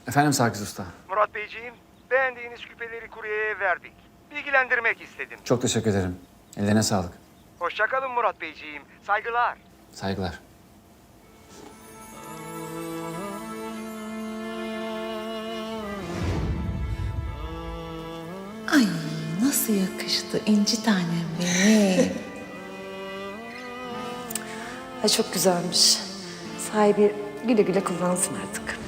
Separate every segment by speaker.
Speaker 1: Efendim Sakız Usta.
Speaker 2: Murat Beyciğim, beğendiğiniz küpeleri kuryeye verdik. Bilgilendirmek istedim.
Speaker 1: Çok teşekkür ederim. Ellerine sağlık.
Speaker 2: Hoşça kalın Murat Beyciğim. Saygılar.
Speaker 1: Saygılar.
Speaker 3: Ay nasıl yakıştı inci tanem benim.
Speaker 4: Ay çok güzelmiş. Sahibi güle güle kullansın artık.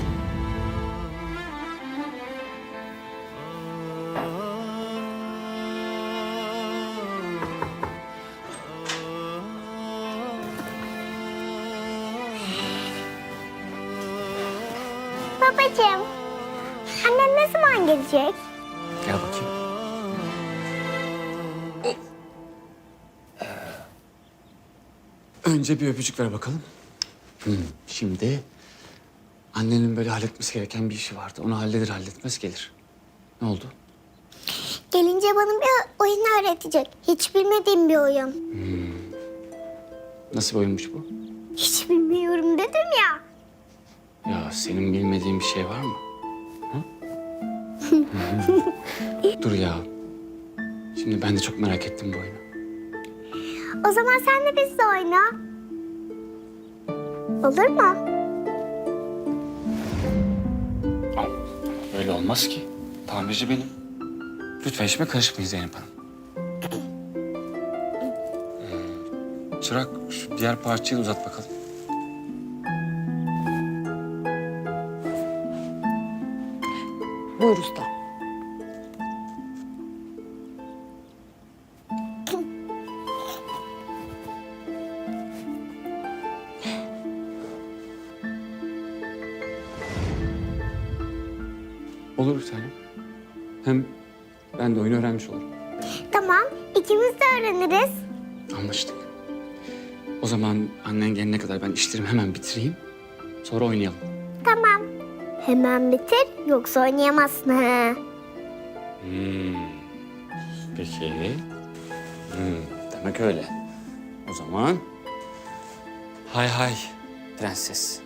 Speaker 5: Babacığım, annem ne zaman gelecek?
Speaker 1: Gel bakayım. Önce bir öpücük ver bakalım. Şimdi annenin böyle halletmesi gereken bir işi vardı. Onu halletmez gelir. Ne oldu?
Speaker 5: Gelince bana bir oyun öğretecek. Hiç bilmediğim bir oyun.
Speaker 1: Nasıl bir oyunmuş bu?
Speaker 5: Hiç bilmiyorum dedim ya.
Speaker 1: Ya senin bilmediğin bir şey var mı? Hı? Dur ya. Şimdi ben de çok merak ettim bu oyunu.
Speaker 5: O zaman sen de bizle oyna. Olur mu?
Speaker 1: Öyle olmaz ki. Tamirci benim. Lütfen işime karışmayın Zeynep Hanım. Çırak şu diğer parçayı uzat bakalım.
Speaker 4: Buyur usta.
Speaker 1: Olur bir tanem. Hem ben de oyunu öğrenmiş olurum.
Speaker 5: Tamam, ikimiz de öğreniriz.
Speaker 1: Anlaştık. O zaman annen gelene kadar ben işlerimi hemen bitireyim. Sonra oynayalım.
Speaker 5: Tamam. Hemen bitir, yoksa oynayamazsın ha.
Speaker 1: Peki. Demek öyle. O zaman hay hay prenses.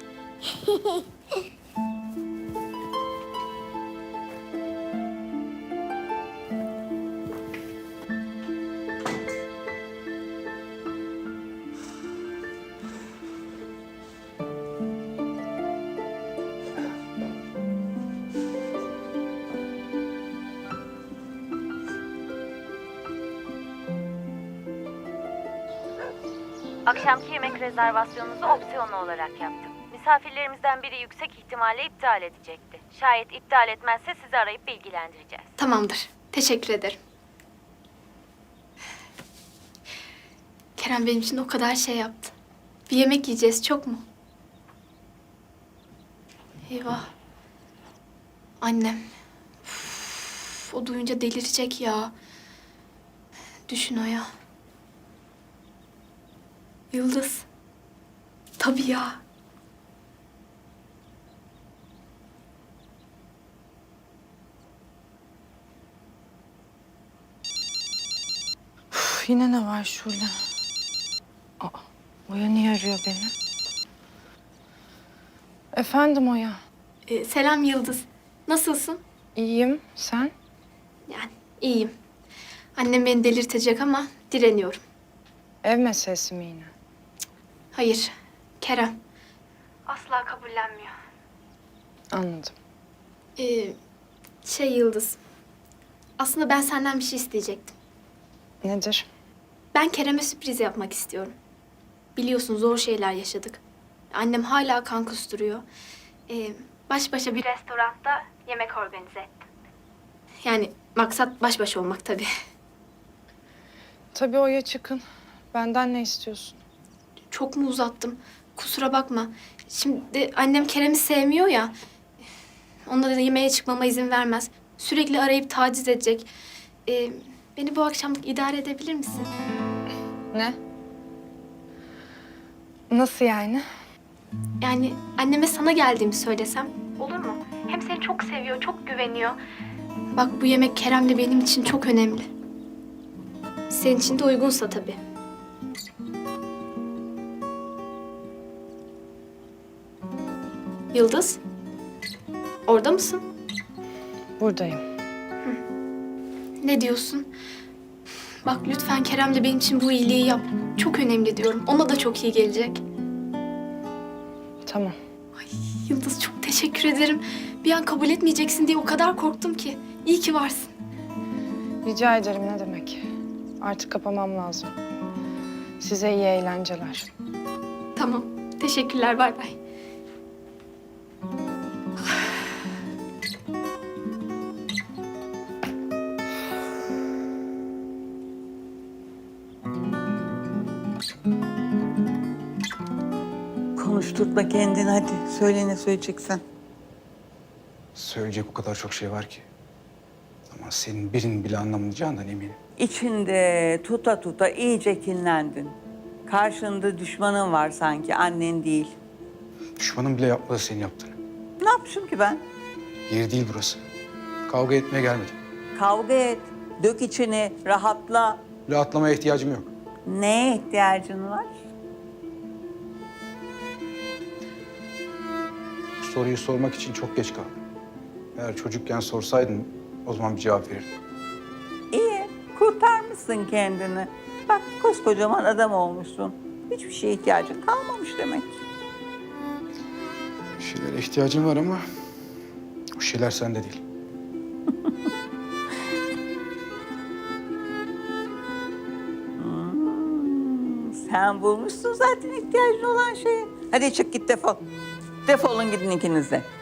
Speaker 6: Akşamki yemek rezervasyonunuzu opsiyonlu olarak yaptım. Misafirlerimizden biri yüksek ihtimalle iptal edecekti. Şayet iptal etmezse sizi arayıp bilgilendireceğiz.
Speaker 7: Tamamdır. Teşekkür ederim. Kerem benim için o kadar şey yaptı. Bir yemek yiyeceğiz, çok mu? Eyvah. Annem. Üf, o duyunca delirecek ya. Düşün o ya. Yıldız. Tabii ya.
Speaker 4: Üf, yine ne var Şule? Aa, Oya niye arıyor beni? Efendim Oya.
Speaker 7: Selam Yıldız. Nasılsın?
Speaker 4: İyiyim. Sen?
Speaker 7: Yani iyiyim. Annem beni delirtecek ama direniyorum.
Speaker 4: Ev meselesi mi yine?
Speaker 7: Hayır, Kerem. Asla kabullenmiyor.
Speaker 4: Anladım.
Speaker 7: Yıldız. Aslında ben senden bir şey isteyecektim.
Speaker 4: Nedir?
Speaker 7: Ben Kerem'e sürpriz yapmak istiyorum. Biliyorsun zor şeyler yaşadık. Annem hala kan kusturuyor. Baş başa bir restoranda yemek organize ettim. Yani maksat baş başa olmak tabii.
Speaker 4: Tabii Oya çıkın. Benden ne istiyorsun?
Speaker 7: Çok mu uzattım? Kusura bakma. Şimdi annem Kerem'i sevmiyor ya. Onunla da yemeğe çıkmama izin vermez. Sürekli arayıp taciz edecek. Beni bu akşamlık idare edebilir misin?
Speaker 4: Ne? Nasıl yani?
Speaker 7: Yani anneme sana geldiğimi söylesem olur mu? Hem seni çok seviyor, çok güveniyor. Bak bu yemek Kerem'le benim için çok önemli. Senin için de uygunsa tabii. Yıldız? Orada mısın?
Speaker 4: Buradayım.
Speaker 7: Ne diyorsun? Bak lütfen Kerem'le benim için bu iyiliği yap. Çok önemli diyorum. Ona da çok iyi gelecek.
Speaker 4: Tamam.
Speaker 7: Ay Yıldız çok teşekkür ederim. Bir an kabul etmeyeceksin diye o kadar korktum ki. İyi ki varsın.
Speaker 4: Rica ederim, ne demek. Artık kapamam lazım. Size iyi eğlenceler.
Speaker 7: Tamam. Teşekkürler. Bay bay.
Speaker 8: Konuşturtma kendini hadi. Söyle ne söyleyeceksen.
Speaker 9: Söyleyecek o kadar çok şey var ki. Ama senin birinin bile anlamayacağından eminim.
Speaker 8: İçinde tuta tuta iyice kinlendin. Karşında düşmanın var sanki, annen değil.
Speaker 9: Düşmanın bile yapmadı senin yaptığını.
Speaker 8: Ne yapmışım ki ben?
Speaker 9: Yeri değil burası. Kavga etmeye gelmedim.
Speaker 8: Kavga et, dök içini, rahatla.
Speaker 9: Rahatlamaya ihtiyacım yok.
Speaker 8: Neye ihtiyacın var?
Speaker 9: Bu soruyu sormak için çok geç kaldım. Eğer çocukken sorsaydın o zaman bir cevap verirdim.
Speaker 8: İyi, kurtarmışsın kendini. Bak koskocaman adam olmuşsun. Hiçbir şeye ihtiyacın kalmamış demek.
Speaker 9: Bir şeylere ihtiyacım var ama o şeyler sende değil.
Speaker 8: Sen bulmuşsun zaten ihtiyacın olan şeyi. Hadi çık git defol. Defolun gidin ikiniz de.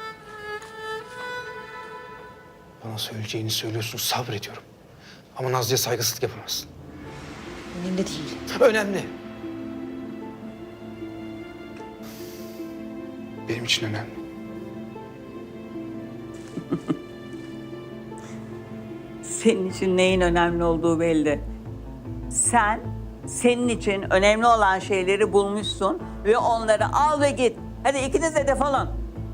Speaker 9: Bana söyleyeceğini söylüyorsun, sabrediyorum. Ama Nazlı'ya saygısızlık yapamazsın.
Speaker 3: Önemli değil.
Speaker 9: Önemli. Benim için önemli.
Speaker 8: Senin için neyin önemli olduğu belli. Sen, senin için önemli olan şeyleri bulmuşsun ve onları al ve git. Hadi ikiniz de defolun.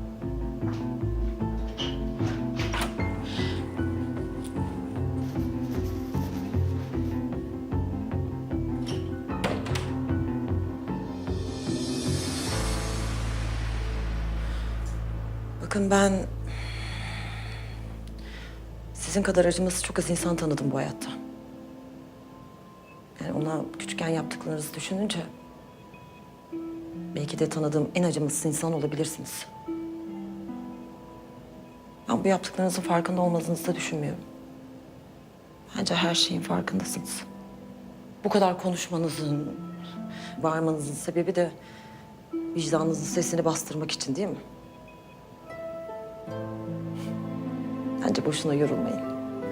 Speaker 3: Bakın ben sizin kadar acımasız çok az insan tanıdım bu hayatta. Yani ona küçükken yaptıklarınızı düşününce belki de tanıdığım en acımasız insan olabilirsiniz. Ben bu yaptıklarınızın farkında olmadığınızı da düşünmüyorum. Bence her şeyin farkındasınız. Bu kadar konuşmanızın, bağırmanızın sebebi de vicdanınızın sesini bastırmak için değil mi? Bence boşuna yorulmayın.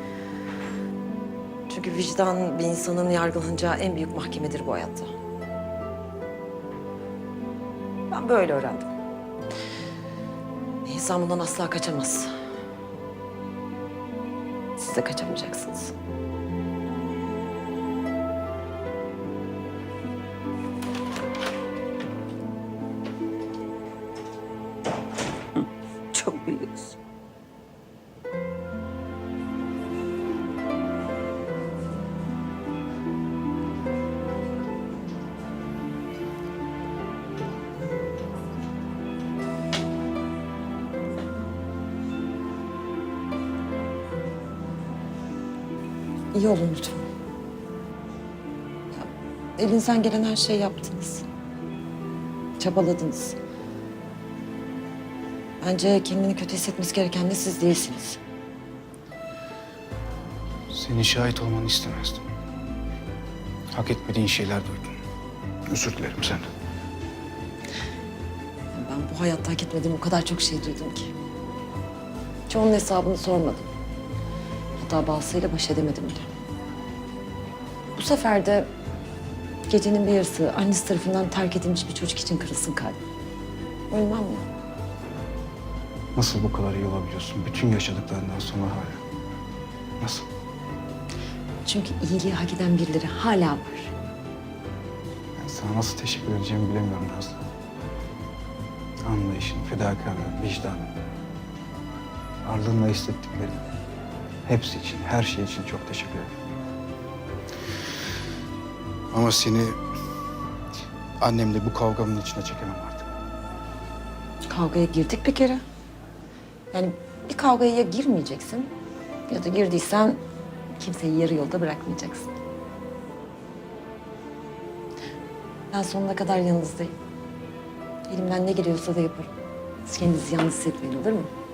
Speaker 3: Çünkü vicdan bir insanın yargılanacağı en büyük mahkemedir bu hayatta. Ben böyle öğrendim. İnsan bundan asla kaçamaz. Siz de kaçamayacaksınız.
Speaker 8: Çok biliyorsun.
Speaker 3: İyi olun lütfen. Ya, elinizden gelen her şeyi yaptınız. Çabaladınız. Bence kendini kötü hissetmesi gereken de siz değilsiniz.
Speaker 9: Senin şahit olmanı istemezdim. Hak etmediğin şeyler duydum. Özür dilerim senden.
Speaker 3: Ben bu hayatta hak etmediğim o kadar çok şey duydum ki. Çoğunun hesabını sormadım. Hatta bazısıyla baş edemedim bile. Bu sefer de gecenin bir yarısı annesi tarafından terk edilmiş bir çocuk için kırılsın kalbim. Ölmem mi?
Speaker 9: Nasıl bu kadar iyi olabiliyorsun bütün yaşadıklarından sonra hala? Nasıl?
Speaker 3: Çünkü iyiliği hak eden birileri hala var.
Speaker 9: Ben sana nasıl teşekkür edeceğimi bilemiyorum Nazlı. Anlayışın, fedakarlığın, vicdanın. Ardınla hissettiklerin. Hepsi için, her şey için çok teşekkür ederim. Ama seni annemle bu kavgamın içine çekemem artık.
Speaker 3: Kavgaya girdik bir kere. Yani bir kavgaya ya girmeyeceksin ya da girdiysen kimseyi yarı yolda bırakmayacaksın. Ben sonuna kadar yanınızdayım. Elimden ne geliyorsa da yaparım. Siz kendinizi yalnız hissetmeyin, olur mu?